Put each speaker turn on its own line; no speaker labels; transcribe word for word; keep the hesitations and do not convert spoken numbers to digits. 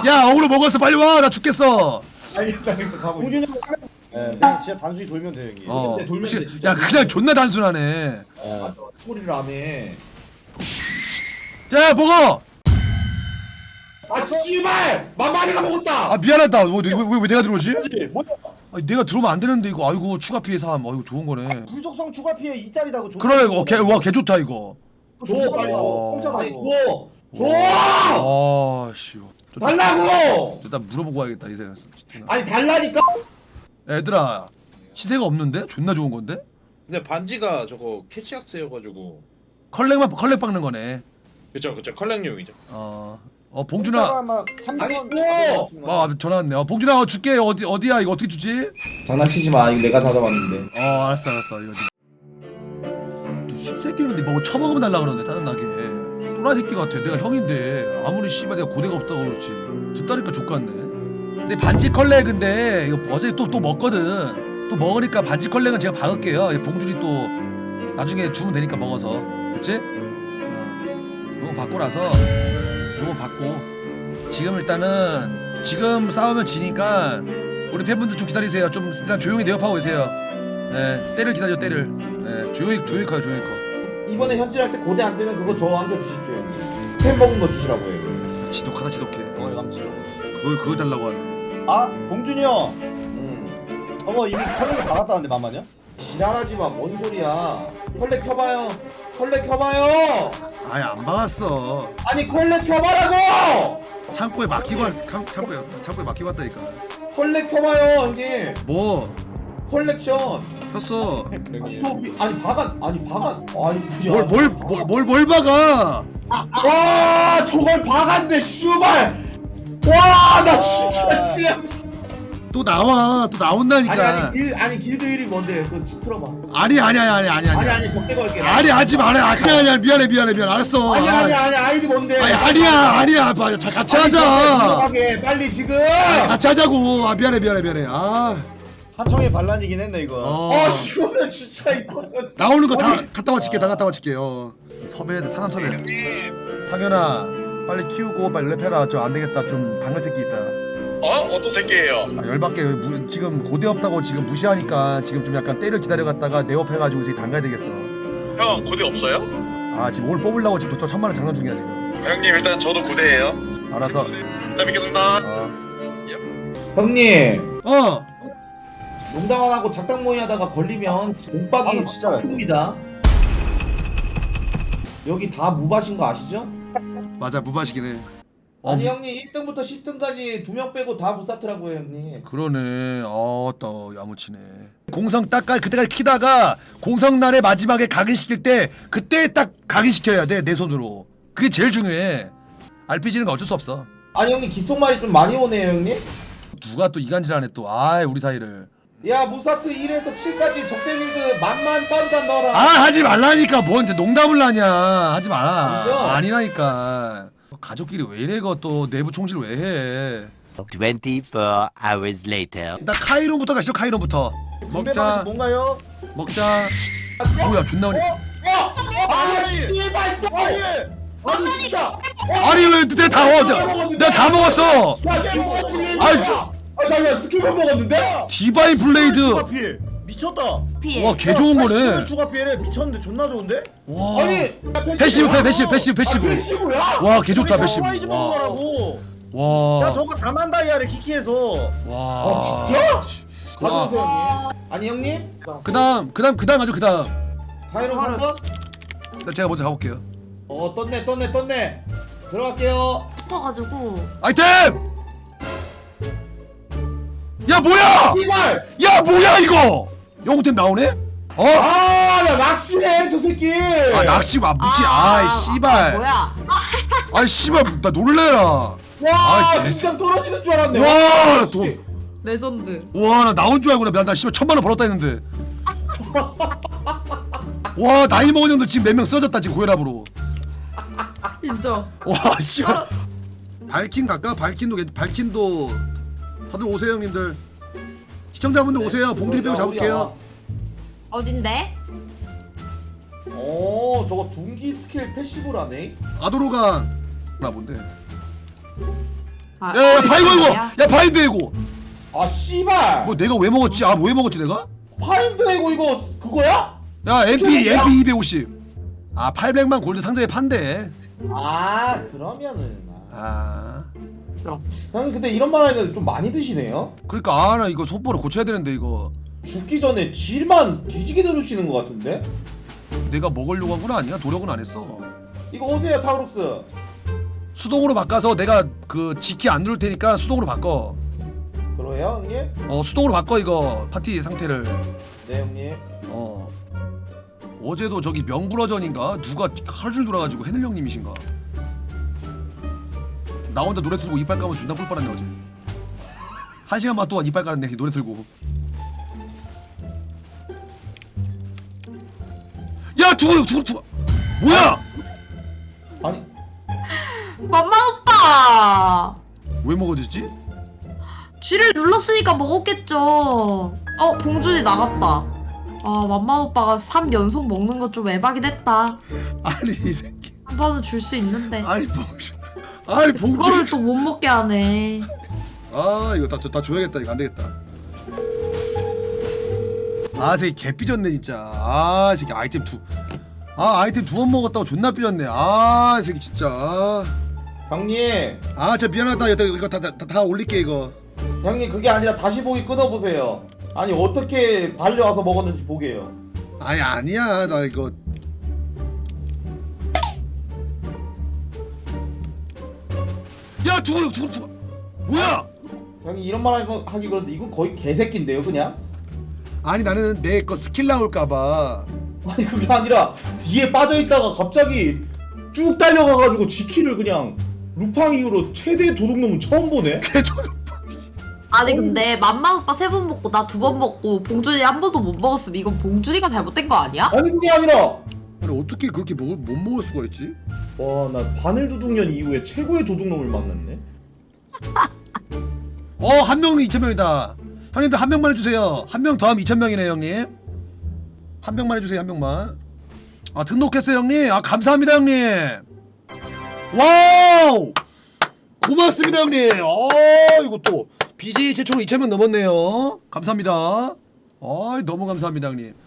야 어그로 먹었어 빨리 와 나 죽겠어.
알겠어 알겠어 가보.
봉준이 형 하면 예, 그냥 진짜 단순히 돌면 돼 형님.
어.
돌면 돼, 돌면
혹시-
돼, 진짜.
야 그냥 존나 단순하네.
어. 소리를 안 해.
자 먹어.
아 씨발! 만만이가 먹었다.
아 미안하다. 왜, 왜, 왜, 왜 내가 들어오지?
그렇지. 뭐야?
아니, 내가 들어오면 안 되는데 이거 아이고 추가 피해 삼. 아이고 좋은 거네.
불속성 추가 피해 이 짜리다고.
그러네 이거 개, 와, 개 좋다 이거.
줘 빨리.
어.
공짜다
아니
이거.
줘. 줘.
아 씨. 좀-
달라고.
일단 물어보고 와야겠다 이 생각.
아니 달라니까.
얘들아 시세가 없는데? 존나 좋은 건데?
근데 반지가 저거 캐치악스여가지고.
컬렉만 컬렉 박는 거네.
그쵸 그쵸 컬렉용이죠.
어. 어
공짜가
봉준아.
아마 삼백 원.
아니, 또!
아 전화 왔네. 어 봉준아 어, 줄게. 어디 어디야 이거 어떻게 주지?
장난치지 마. 이거 내가 받아봤는데.
어 알았어 알았어 이거. 좀- 숲새끼인데 뭐 처먹으면 달라 그러는데 짜증나게. 또라이 새끼 같아. 내가 형인데 아무리 씨발 내가 고대가 없다고 그렇지. 듣다니까 족같네. 근데 반지 컬렉인데 이거 어제 또 또 먹거든. 또 먹으니까 반지 컬렉은 제가 박을게요. 이 봉준이 또 나중에 주면 되니까 먹어서. 그치? 어. 요거 받고 나서 요거 받고 지금 일단은 지금 싸우면 지니까 우리 팬분들 좀 기다리세요. 좀 일단 조용히 내업하고 계세요. 예, 때를 기다려 때를. 예, 조용히 조용히 커요 조용히 커.
이번에 현질할 때 고대 안 뜨면 그거 저한테 주십시오. 팬 먹은 거 주시라고 해.
지독하다 지독해.
어 감지로.
그걸 그걸 달라고 하네.
아 봉준이 형.
음.
저거 이미 컬렉에 박았다는데 만만이야?
지랄하지 마. 뭔 소리야. 컬렉 켜봐요. 컬렉 켜봐요.
아예 안 박았어.
아니 컬렉 켜봐라고.
창고에 맡기고 왔- 칸- 창고에 창고에 맡기고 왔다니까.
컬렉 켜봐요 형님.
뭐
컬렉션.
폈어.
형님.
저 위- 아니 박아 아니 박아 아니
뭘뭘뭘뭘 박아?
와 저걸 박았네 씨발. 와나 진짜 씨.
또 나와 또 나온다니까.
아니 아니 길 아니 길드 일이 뭔데? 그거 틀어봐.
아니 아니 아니 아니 아니
아니 아니 적대 걸게.
아니 하지 말아. 아니 아니 아니 미안해 미안해 미안. 알았어.
아니 아니 아니 아이디 뭔데?
아니 아니야 아니야. 봐, 자, 같이
아니,
하자.
들어가게 빨리 지금.
아니, 같이 하자고. 아 미안해 미안해 미안해. 아
하청의 반란이긴 했네 이거.
어.
아 이거는 진짜 이거는.
나오는 거 다
아니.
갖다 맞힐게 다 갖다 맞힐게. 어. 섭외해야 돼 사람 섭외. 창현아 빨리 키우고 빨리 랩해라. 저 안 되겠다. 좀 당할 새끼 있다.
어? 어떤 새끼예요?
아, 열받게 무, 지금 고대 없다고 지금 무시하니까 지금 좀 약간 때를 기다려갔다가 내업해가지고 이제 당가야 되겠어.
형 고대 없어요?
아 지금 오늘 뽑으려고 지금 저 천만 원 장난 중이야 지금.
형님 일단 저도 고대예요.
알아서.
네 믿겠습니다.
어.
형님
어.
농담 안 하고 작당 모의 하다가 걸리면 몸박이
아, 진짜요?
큽니다. 여기 다 무밭인 거 아시죠?
맞아 무바식이네. 어,
아니 형님 일 등부터 십 등까지 두 명 빼고 다 무사트라고요 형님.
그러네. 어또 야무치네. 공성 딱 가- 그때까지 키다가 공성 날의 마지막에 각인시킬 때 그때 딱 각인시켜야 돼 내 손으로. 그게 제일 중요해. 알피지는 거 어쩔 수 없어.
아니 형님 귓속말이 좀 많이 오네요 형님.
누가 또 이간질하네 또. 아 우리 사이를.
야 무사트 일에서 칠까지 적대 길드 만만 빠르단 넣어라.
아 하지 말라니까 뭔 농담을 하냐. 하지 마라.
아니죠?
아니라니까. 가족끼리 왜 이래 이거 또 내부 총질 왜 해.
twenty-four hours later.
일단 카이론부터 가시죠. 카이론부터.
분배 방식
먹자.
뭔가요?
먹자. 뭐야 존나 오네.
어? 어? 아니 씨발 또. 아니 진짜.
아니 왜 내가 다 먹었어? 내가 다 먹었어.
야 지금
아니,
아니 아나 스킬만 먹었는데?
디바인 블레이드.
추가 피해. 미쳤다.
피해.
와 개 좋은
팔십 분
거네.
추가 피해래. 미쳤는데 존나 좋은데?
와.
아니
패시브 패 패시브 패시브
아,
패시브.
패시브야?
와 개 좋다 패시브.
사이즈 본
와.
거라고.
와.
야 저거 사만 다이아를 키키해서.
와.
아 진짜?
와.
가져오세요 형님. 아니 형님?
그다음 그다음 그다음 가죠 그다음.
카이론 삼 번?
나 제가 먼저 가볼게요.
어 떴네 떴네 떴네. 들어갈게요.
붙어가지고
아이템. 야 뭐야?
씨발!
야 뭐야 이거? 영웅템 나오네? 어?
아나 낚시네 저 새끼.
아 낚시 와 무지. 아이 씨발.
뭐야?
아이 씨발 나 놀래라.
와
아, 개-
심장 떨어지는 줄 알았네.
와, 나 돈.
레전드.
와, 나 나온 줄 알고 나, 나 씨발 천만 원 벌었다 했는데. 와, 나이 먹은 형들 지금 몇 명 쓰러졌다 지금 고혈압으로.
인정.
와, 씨발. 발킨 갈까? 발킨도 괜- 발킨도 다들 오세요 형님들. 시청자분들 오세요. 봉들이 빼고 잡을게요.
어딘데?
어 저거 둥기 스킬 패시브라네.
아도로가 나 뭔데?
아,
야야 바이고 이거
야
야 바인드 해고
아 씨발
뭐 내가 왜 먹었지? 아 뭐 왜 먹었지 내가?
파인드 해고 이거 그거야?
야 엠피
뭐야?
엠피 이백오십 아 팔백만 골드 상자에 판대
아 그러면은
아
형님 근데 이런 말 하니까 좀 많이 드시네요?
그러니까 아 나 이거 손보라 고쳐야 되는데 이거
죽기 전에 질만 뒤지게 들으시는 것 같은데?
내가 먹으려고 한 건 아니야 노력은 안 했어
이거 오세요 타우룩스.
수동으로 바꿔서 내가 그 지키 안 누를 테니까 수동으로 바꿔
그러해요 형님?
어 수동으로 바꿔 이거 파티 상태를
네 형님.
어 어제도 저기 명불허전인가 누가 하루 종일 돌아가지고 해늘 형님이신가 나 혼자 노래 틀고 이빨 까면 존나 뿔 빨았네 어제 한 시간 반 동안 이빨 깔았네 노래 틀고 야 죽어 죽어 죽어 뭐야
아니
맘마 오빠
왜 먹어졌지?
쥐를 눌렀으니까 먹었겠죠. 어 봉준이 나갔다. 아 맘마 오빠가 삼 연속 먹는 거 좀 에바긴 했다.
아니 이 새끼
한 번은 줄 수 있는데
아니 봉준 아니
그거를
봉준
또 못 먹게 하네.
아 이거 다, 다 줘야겠다 이거 안 되겠다 아 새끼 개 삐졌네 진짜 아 새끼 아이템 두 아 아이템 두 번 먹었다고 존나 삐졌네 아 새끼 진짜
형님
아 진짜 미안하다 이거 이거 다, 다, 다, 다 올릴게 이거
형님 그게 아니라 다시 보기 끊어보세요. 아니 어떻게 달려와서 먹었는지 보게요.
아니 아니야 나 이거 야 죽어 죽어 죽어 뭐야
형님 이런 말 하기- 하기 그런데 이건 거의 개새끼인데요 그냥?
아니 나는 내 거 스킬 나올까봐
아니 그게 아니라 뒤에 빠져있다가 갑자기 쭉 달려가가지고 지키를 그냥 루팡 이후로 최대 도둑놈은 처음 보네?
개처럼
아니 근데 맘마 오빠 세 번 먹고 나 두 번 먹고 봉준이 한 번도 못 먹었으면 이건 봉준이가 잘못된 거 아니야?
아니 그게 아니라
아니 어떻게 그렇게 먹을, 못 먹을 수가 있지?
와 나 바늘 도둑년 이후에 최고의 도둑놈을 만났네.
어 한 명은 이천 명이다 형님들 한 명만 해주세요 한 명 더하면 이천 명이네 형님 한 명만 해주세요 한 명만 아 등록했어요 형님 아 감사합니다 형님 와우 고맙습니다 형님 어 이거 또 비제이 최초로 이천 명 넘었네요 감사합니다 아 너무 감사합니다 형님